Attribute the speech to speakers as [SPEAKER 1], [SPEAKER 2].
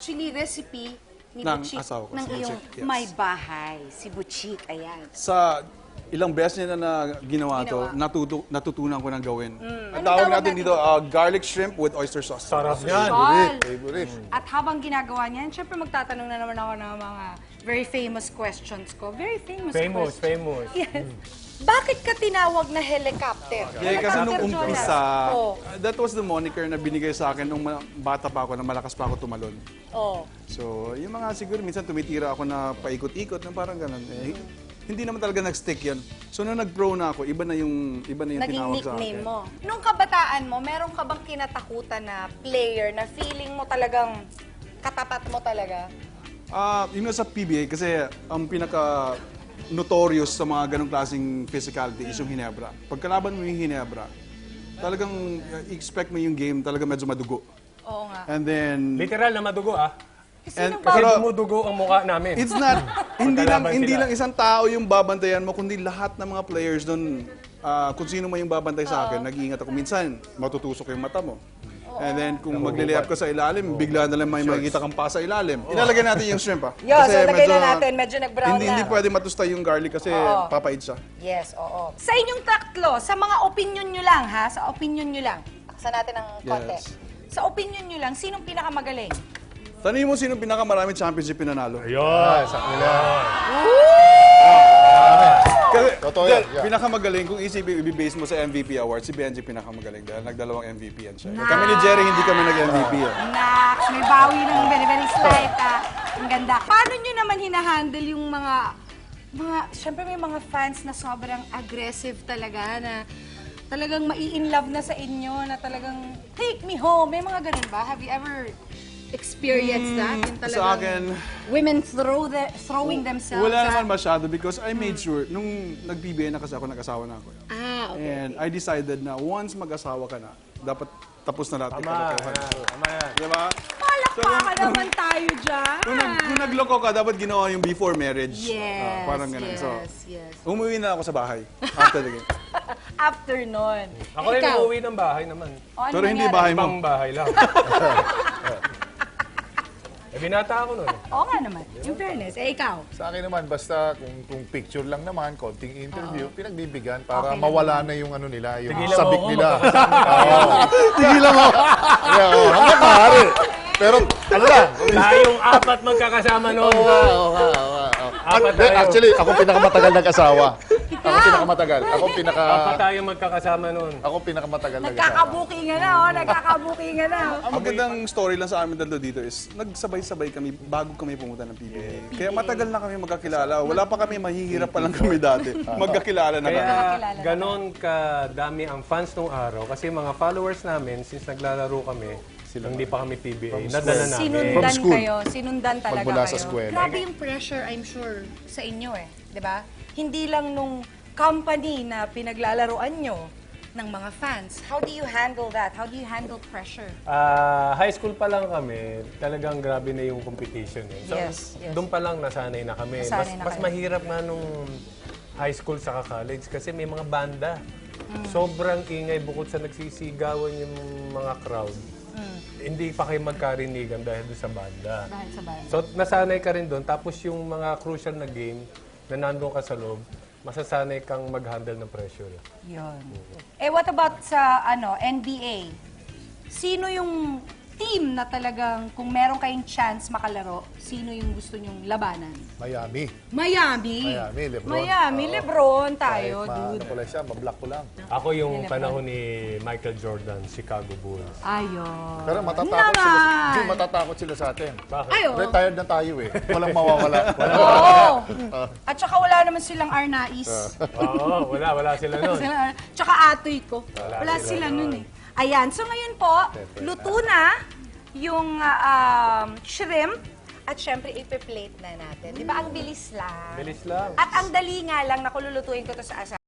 [SPEAKER 1] actually recipe ni
[SPEAKER 2] Ng
[SPEAKER 1] Butchik,
[SPEAKER 2] asawa ko,
[SPEAKER 1] ng
[SPEAKER 2] si
[SPEAKER 1] iyong
[SPEAKER 2] Butchik, yes.
[SPEAKER 1] may bahay, si Butchik, ayan.
[SPEAKER 2] Sa ilang beses niya na ginawa to, natutunan ko ng gawin. Ang tawag natin dito, garlic shrimp with oyster sauce.
[SPEAKER 3] Sarap yan.
[SPEAKER 1] Sol.
[SPEAKER 4] Favorite.
[SPEAKER 1] At habang ginagawa niyan, syempre magtatanong na naman ako ng mga very famous questions ko. Very famous questions.
[SPEAKER 3] Famous.
[SPEAKER 1] Yes. Bakit ka tinawag na helicopter?
[SPEAKER 2] Yeah, kasi nung
[SPEAKER 1] Helicopter
[SPEAKER 2] umpisa,
[SPEAKER 1] Jonas. Oh.
[SPEAKER 2] that was the moniker na binigay sa akin nung bata pa ako, na malakas pa ako tumalon.
[SPEAKER 1] Oh.
[SPEAKER 2] So, yung mga siguro minsan tumitira ako na paikot-ikot, na parang ganun. Hindi naman talaga nag-stick yan. So, nung nag-pro na ako, iba na yung
[SPEAKER 1] Naging
[SPEAKER 2] tinawag sa akin.
[SPEAKER 1] nickname mo. Nung kabataan mo, meron ka bang kinatakutan na player na feeling mo talagang katapat mo talaga?
[SPEAKER 2] Yun nga sa PBA, kasi ang pinaka-notorious sa mga ganong klaseng physicality is yung Hinebra. Pagkalaban mo yung Hinebra, talagang expect mo yung game talaga medyo madugo.
[SPEAKER 1] Oo nga.
[SPEAKER 2] And then,
[SPEAKER 3] Literal na madugo ah.
[SPEAKER 1] Sino
[SPEAKER 3] Kasi
[SPEAKER 2] pero
[SPEAKER 3] dumudugo ang mukha namin.
[SPEAKER 2] it's not, hindi
[SPEAKER 3] Magkalaban sila.
[SPEAKER 2] lang isang tao yung babantayan mo, kundi lahat ng mga players doon, kung sino man yung babantay sa akin, nag-iingat ako. Minsan, matutusok yung mata mo. And then, kung magle-layup ka sa ilalim, bigla na lang may makikita kang pa sa ilalim. Ilalagay natin yung shrimp, ha?
[SPEAKER 1] Yo, so lagay na natin. Medyo nag-brown na.
[SPEAKER 2] Hindi pwede matustay yung garlic kasi papait siya.
[SPEAKER 1] Yes, oo. Sa inyong tatlo, sa mga opinion nyo lang, ha? Sa opinion nyo lang. Taksan natin ng konti.
[SPEAKER 2] Yes.
[SPEAKER 1] Sa opinion nyo lang, sinong pinakamagaling?
[SPEAKER 2] Tanungin mo sino pinakamaraming championship pinanalo.
[SPEAKER 3] Ayun.
[SPEAKER 4] Sa kanila.
[SPEAKER 2] Kasi,
[SPEAKER 4] Totoo yan, yeah.
[SPEAKER 2] pinakamagaling, kung isipin, i-base mo sa MVP award, si Benji pinakamagaling dahil nagdalawang MVP yan siya. Kami ni Jerry, hindi kami nag-MVP.
[SPEAKER 1] Nax, may bawi ng very, very slight, ha? Ang ganda. Paano nyo naman hinahandle yung syempre may mga fans na sobrang aggressive talaga, na talagang mai-inlove na sa inyo, na talagang, take me home. May mga ganun ba? Have you ever experienced that? Yung talagang
[SPEAKER 2] Sa akin,
[SPEAKER 1] women throwing themselves
[SPEAKER 2] wala
[SPEAKER 1] at-
[SPEAKER 2] naman masyado because I made sure, nung nag-PBA na kasi ako, nag-asawa na ako.
[SPEAKER 1] Okay.
[SPEAKER 2] And I decided na once mag-asawa ka na, dapat tapos na lahat.
[SPEAKER 3] Tama yan.
[SPEAKER 2] Diba?
[SPEAKER 1] Palakpakan naman tayo dyan.
[SPEAKER 2] Kung nagloko ka, dapat ginawa yung before marriage.
[SPEAKER 1] Yes,
[SPEAKER 2] Parang ganun. So,
[SPEAKER 1] yes.
[SPEAKER 2] umuwi na ako sa bahay after the game.
[SPEAKER 1] After nun.
[SPEAKER 3] Ako rin
[SPEAKER 1] Ikaw?
[SPEAKER 3] umuwi ng bahay naman.
[SPEAKER 1] O, ano
[SPEAKER 2] Pero hindi
[SPEAKER 1] nangyari?
[SPEAKER 2] bahay mo.
[SPEAKER 3] Ibang bahay lang. Binata ako nun.
[SPEAKER 1] Oo nga naman. In fairness, ikaw.
[SPEAKER 4] Sa akin naman, basta kung picture lang naman, konting interview, pinagbibigyan para
[SPEAKER 1] Okay
[SPEAKER 4] mawala na yung ano nila, yung
[SPEAKER 3] Tigilan mo
[SPEAKER 4] sabik
[SPEAKER 3] ako,
[SPEAKER 4] nila.
[SPEAKER 2] Tigilan mo!
[SPEAKER 4] Yeah, hanggang maaari. Pero, ano lang,
[SPEAKER 3] Tayong apat magkakasama noon. Apat tayo.
[SPEAKER 4] actually, ako pinakamatagal nag-asawa. Ako pinakamatagal.
[SPEAKER 3] Apat tayong magkakasama noon.
[SPEAKER 4] Ako pinakamatagal nag-asawa.
[SPEAKER 1] Nagkakabukingan na, oh. Nagkakabukingan na.
[SPEAKER 2] Ang magandang story lang sa amin dalawa dito is, nagsabay-sabay kami bago kami pumunta ng PBA. Kaya matagal na kami magkakilala. Wala pa kami, mahihirap pa lang kami dati. Magkakilala na kami.
[SPEAKER 3] Kaya ganon kadami ang fans nung araw kasi mga followers namin, since naglalaro kami, hindi pa kami PBA, nadala namin.
[SPEAKER 1] Sinundan
[SPEAKER 4] school.
[SPEAKER 1] kayo. Sinundan talaga
[SPEAKER 4] Magmula
[SPEAKER 1] kayo.
[SPEAKER 4] sa eskwela.
[SPEAKER 1] Grabe yung pressure, I'm sure, sa inyo eh. 'Di ba? Hindi lang nung company na pinaglalaroan nyo ng mga fans. How do you handle that? How do you handle pressure?
[SPEAKER 3] High school pa lang kami, talagang grabe na yung competition. Eh. So,
[SPEAKER 1] Yes.
[SPEAKER 3] doon pa lang nasanay na kami.
[SPEAKER 1] Nasanay na
[SPEAKER 3] Mas
[SPEAKER 1] kayo.
[SPEAKER 3] mahirap nga nung high school sa college kasi may mga banda. Sobrang ingay bukod sa nagsisigawan yung mga crowd. Hindi pa kayo magkarinigan dahil doon sa banda.
[SPEAKER 1] Dahil sa banda.
[SPEAKER 3] So, nasanay ka rin doon. Tapos yung mga crucial na game na nandun ka sa loob, masasanay kang mag-handle ng pressure.
[SPEAKER 1] Yun. What about sa NBA? Sino yung team na talagang kung meron kayong chance makalaro, sino yung gusto nyong labanan?
[SPEAKER 4] Miami.
[SPEAKER 1] Miami.
[SPEAKER 4] Lebron.
[SPEAKER 1] Miami, Lebron tayo,
[SPEAKER 4] Ano
[SPEAKER 1] dude.
[SPEAKER 4] ko lang siya, mablock ko lang.
[SPEAKER 3] Ako yung panahon ni Michael Jordan, Chicago Bulls.
[SPEAKER 1] Ayun.
[SPEAKER 4] Pero matatakot sila. Hindi, matatakot sila sa atin.
[SPEAKER 3] Bakit?
[SPEAKER 1] Ay, oo.
[SPEAKER 4] Retired na tayo eh. Walang mawawala.
[SPEAKER 1] Oo. At saka wala naman silang Arnaiz.
[SPEAKER 3] Oo, wala sila nun.
[SPEAKER 1] Tsaka atoy ko. Wala sila nun eh. Ayan, so ngayon po, luto na yung shrimp at syempre ipe-plate na natin. Di ba? Ang bilis lang.
[SPEAKER 3] Bilis lang.
[SPEAKER 1] At ang dali nga lang na kululutuin ko to sa